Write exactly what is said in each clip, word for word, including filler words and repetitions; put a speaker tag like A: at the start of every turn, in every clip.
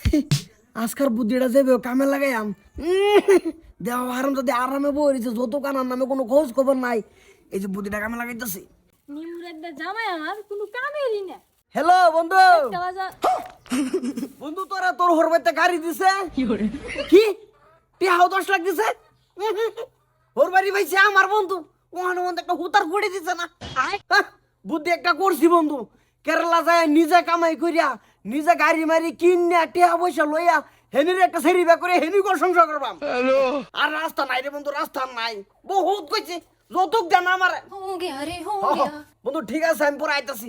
A: আজকার বুদ্ধিটা যাবে কামে লাগাইয়াম দেহ আরাম যদি আরামে বইছে যত কানার নামে কোনো খোঁজ খবর নাই। এই যে বুদ্ধিটা কামে লাগাইতেছি।
B: নিমুরের জামাই আমার কোনো কামেরই না।
A: হ্যালো বন্ধু।
B: কাজা
A: বন্ধু তোরা তোর হরবাইতে গাড়ি দিছে কি টিহাও দশ লাখ দিছে ওর বাড়ি ভাইছে আমার বন্ধু ওখানে মধ্যে একটা হুতার করে দিছে না। হ্যাঁ, বুদ্ধি একটা করছি বন্ধু। কেরালা যায় নিজে কামাই করিয়া নিজে গাড়ি মারি কিনিয়া টিহা পয়সা লইয়া হেনির একটা সেরি বে করে হেনি কর সংসার করবাম। আর রাস্তা নাই রে বন্ধু, রাস্তা নাই। বহুত কইছে যৌতুক দেন আমার।
B: হো গিয়া রে হো গিয়া।
A: বন্ধু ঠিক আছে আমি পরে আইতাছি।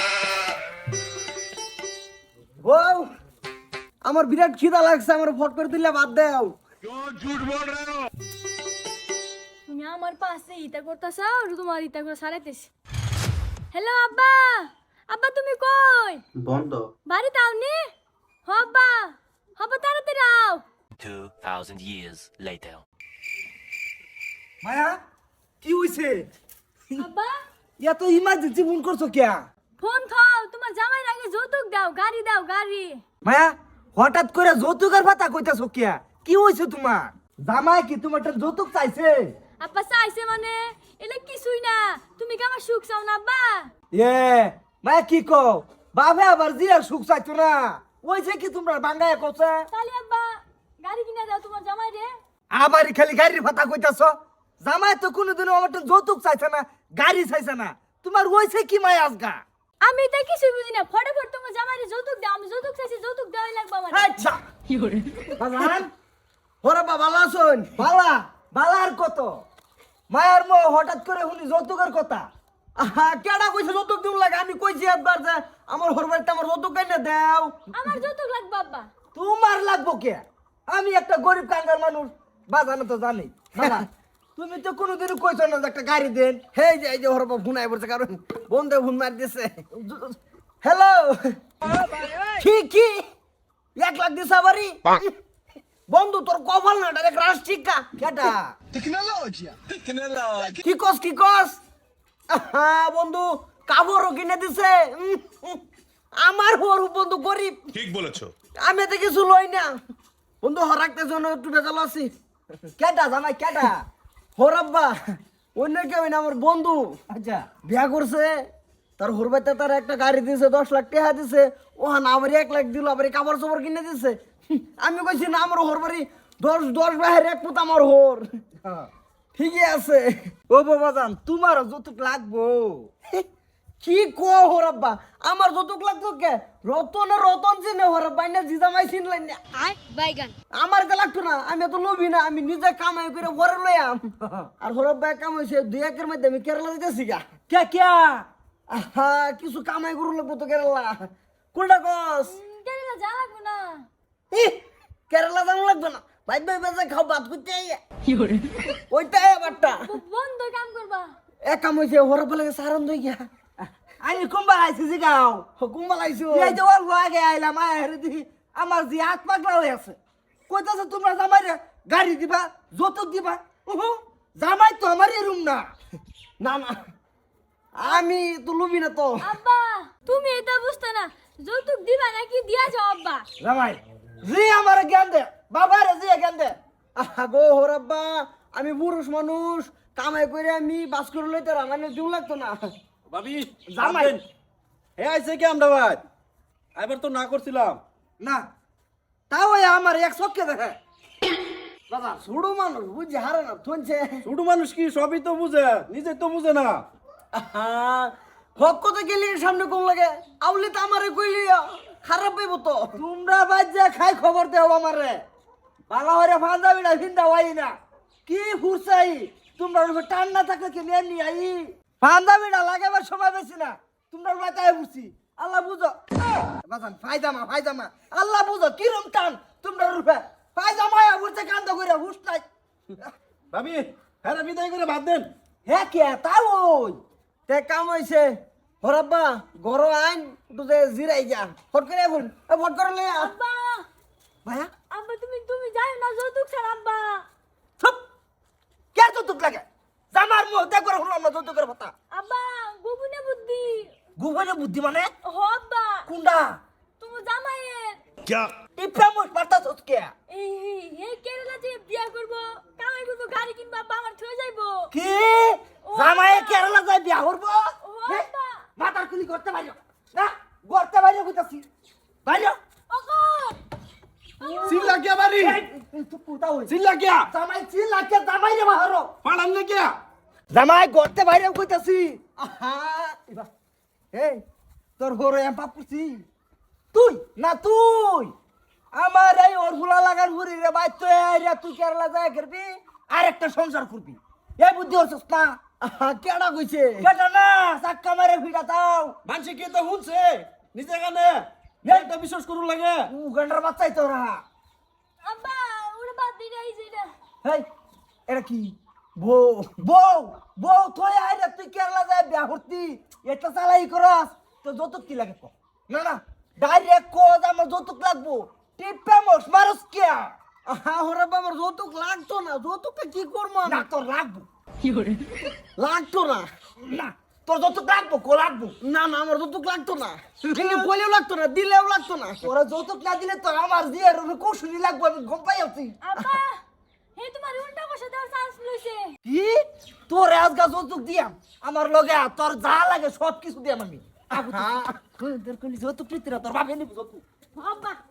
A: ও আমার বিরাট খিদা লাগছে, আমার ফট করে দিলে বাদ দাও।
B: তুমি আমার পাশে ইতা করতাছ আর তোমার ইতা করে সারাইতেছ। হ্যালো আব্বা, আব্বা তুমি কই?
C: বন্ধ।
B: বাড়িতে আওনি? হ আব্বা, হব তাড়াতাড়ি আও।
D: two thousand years later.
A: মায়া কি হইছে?
B: আব্বা
A: এত ইমার্জেন্সি ফোন করছো কে?
B: ফোন খাও, তোমার জামাই আগে যৌতুক দাও, গাড়ি দাও গাড়ি।
A: মায়া হঠাৎ করে যৌতুকের কথা কইতাছো কে? কি হইছে তোমার? জামাই কি তোমার যৌতুক চাইছে?
B: আব্বা চাইছে মানে এলে কিছুই না। তুমি কি আমার সুখ চাও না আব্বা?
A: এ মায়া কি কও? বাবা আবার জিয়া সুখ চাইতো না। ওইছে কি তোমরা বাঙ্গায় কইছে?
B: তাহলে আব্বা গাড়ি কিনা দাও তোমার জামাই রে।
A: আবারই খালি গাড়ির কথা কইতাছো। জামাই তো কোনোদিনও আমার যৌতুক চাইছে না, গাড়ি চাইছে না। তোমার ওইছে কি মায়া আজগা?
B: আমি তাই কিছুই বুঝি না। ফটাফট তোমার জামাই রে যৌতুক দাও। আমি যৌতুক চাইছি, যৌতুক দেওয়াই লাগবে আমার।
A: আচ্ছা কি করে বাজান ওরে বাবা লাসন বালা বালার কত মায়ার মো হঠাৎ করে শুনি যৌতুকের কথা। আহা কেডা কইছে যৌতুক দিন লাগে? আমি কইছি একবার যে আমার হরবাইতে আমার যৌতুক কাইনা দাও।
B: আমার যৌতুক লাগবে আব্বা।
A: তোমার লাগবো কে? আমি একটা গরিব কাঙ্গাল মানুষ, বাজানো তো জানি। বাবা তুমি তো কোনোদিনও কইছো না যে একটা গাড়ি দেন। হেই যে এই যে হরবা ফোন আই পড়ছে, কারণ বন্ধে ফোন মার দিছে। হ্যালো কি কি এক লাখ দিছে বাড়ি বন্ধু? তোর কপাল না ডাইরেক্ট রাশ ঠিকা কেটা টেকনোলজি টেকনোলজি কি কস কি কস? হ্যাঁ বন্ধু কাপড়ও কিনে দিছে। উম, উম, আমার বড় বন্ধু গরিব।
E: ঠিক বলেছো।
A: আমি তো কিছু লই না বন্ধু, হরাকতে জন্য একটু বেজাল আছি। কেটা জামাই কেটা? হরাব্বা অন্য কেউ না, আমার বন্ধু। আচ্ছা বিয়া করছে, তার হরবাইতে তার একটা গাড়ি দিছে, দশ লাখ টাকা দিছে। ওহান আমার এক লাখ দিল, আবার কাপড় চোপড় কিনে দিছে। আমি কইছি না আমার হরবারি দশ দশ বাহের এক পুত আমার হর। ঠিকই আছে। ও বাবা জান তোমার যৌতুক লাগবো? কি কো হরাব্বা আমার যৌতুক লাগতো কে? রতন রতন চিনে হরাব্বা না জিজামাই চিনলেন না।
B: আয় বাইগান।
A: আমার তো লাগতো না, আমি তো লোভি না। আমি নিজে কামাই করে ঘরে লইয়াম। আর হরব্বা কামাইছে দুই একের মধ্যে আমি কেরালা দিতেছি গা। কে কে আহা কিছু কামাই করু লাগবো তো কেরালা। কোনটা কস?
B: কেন যা লাগবে না?
A: ই কেরালা যাওয়া লাগবে না, ভাই ভাই বেজা খাও ভাত করতে কি করে ওইটাই আবারটা
B: বন্ধ কাম করবা।
A: এক কাম হইছে হরব্বা লাগে সারন দই গিয়া। আমি কুম্বাল আইছি জি গাও। কুম্বাল আইছো এই যে ওর আগে আইলাম আয় দেখি আমার জি হাত পাগলা হয়ে আছে। কইতাছে তোমরা জামাই গাড়ি দিবা, যৌতুক দিবা। উহু জামাই তো আমার রুম না। না না আমি তো লুবি না তো।
B: আব্বা তুমি এটা বুঝতে না, যৌতুক দিবা নাকি দিয়া যাও আব্বা।
A: জামাই জি আমার জ্ঞান দে, বাবার জি জ্ঞান দে। আহা গো হরব্বা আমি পুরুষ মানুষ, কামাই করে আমি বাস করে লইতে মানে দিউ লাগতো না।
C: ভাবি
A: জামাই
C: হে আইছে কি আমরা ভাই? এবার তো না করছিলাম
A: না তাও আমার এক চক্কে দেখে বাবা ছোড়ো মানুষ বুঝছে হারে না থনছে।
C: ছোট মানুষ কি সবই তো বুঝে, নিজে তো বুঝে না।
A: হক কথা গেলে সামনে কোন লাগে আউলি তো আমারে কইলি খারাপ পাইব তো। তোমরা বাজ্যা খাই খবর দেও আমারে বালা হরে ফান্দা বিড়া ভিন্দা হই না কি ফুরসাই। তোমরা টান না থাকলে কি নিয়ে নি আই ফান্দা বিড়া লাগাবার সময় বেশি না। তোমরা বাতায় বুঝছি আল্লাহ বুঝো বাজান ফায়দামা ফায়দামা আল্লাহ বুঝো কিরম টান তোমরা রূপে ফায়দামা বুঝতে কান্দ করে হুশ নাই।
C: ভাবি হ্যাঁ বিদায় করে ভাত দেন।
A: হ্যাঁ কে তাও ওই তে কাম হইছে হরাব্বা গরো আইন একটু যে জিরাই যা ফট করে ফোন ফট করে লই আ
B: আব্বা
A: ভাইয়া
B: আব্বা তুমি তুমি যাও না যৌতুক ছাড়া আব্বা।
A: চুপ কে যৌতুক লাগে? জামার মুখ দেখ করে হলো না যৌতুকের কথা।
B: আব্বা গোপনে বুদ্ধি।
A: গোপনে বুদ্ধি মানে
B: হ আব্বা
A: কোনটা?
B: তুমি জামাইয়ের
A: টিপটা মোট পারতাছস কে
B: এই এই এই কেরালা যে বিয়া করব কামাই করব গাড়ি কিনবো আব্বা আমার থয়ে যাইবো
A: কি জামাই কেরালা যায় বিয়া করব
B: ও আব্বা
A: মাথার কুলি করতে পারিও না করতে পারিও কইতাছি পারিও
B: ওগো
C: চিল্লা কে বাড়ি
A: তুই পুতা হই
C: চিল্লা কে
A: জামাই চিল লাগে জামাই রে বাহারো
C: পাড়ান না কে
A: জামাই করতে বাইরে কইতাছি আহা এবা এই তোর হরে এম পাপুছি তুই না তুই আমার এই ওরগুলা লাগার ঘুরি রে ভাই তুই রে তুই কেরালা যায় করবি আর একটা সংসার করবি এই বুদ্ধি হচ্ছিস না কেডা কইছে কেডা না চাক্কা মারে ভিড়া দাও
C: মানুষে কে তো শুনছে নিজে কানে এটা বিশ্বাস করু লাগে
A: উ গন্ডার বাচ্চাই তোরা
B: আব্বা ওরে বাদ দি গাই যেটা
A: হেই এটা কি বউ বউ বউ তুই আইরে তুই কেরালা যায় বিয়া করতি এটা চালাই করস তো যৌতুক কি লাগে কো না না ডাইরেক্ট কো আমার যৌতুক লাগবো টিপে মোস মারস কে আহা ওরে বাবার যৌতুক লাগতো না যৌতুকটা কি করবো না তোর লাগবো কি করে লাগতো না না তোর যৌতুক লাগবো কো লাগবো না না আমার যৌতুক লাগতো না কিন্তু বলেও লাগতো না দিলেও লাগতো না তোরা যৌতুক না দিলে তো আমার দিয়ে কৌশলী লাগবো আমি গম পাই আছি
B: আব্বা হে তোমার উল্টা বসে দেওয়ার চান্স লইছে
A: কি তোর আজগা যৌতুক দিয়াম আমার লগে আ, তোর যা লাগে সব কিছু দিয়াম আমি তোর যৌতুক নিতে তোর বাপে নিব যৌতুক
B: আব্বা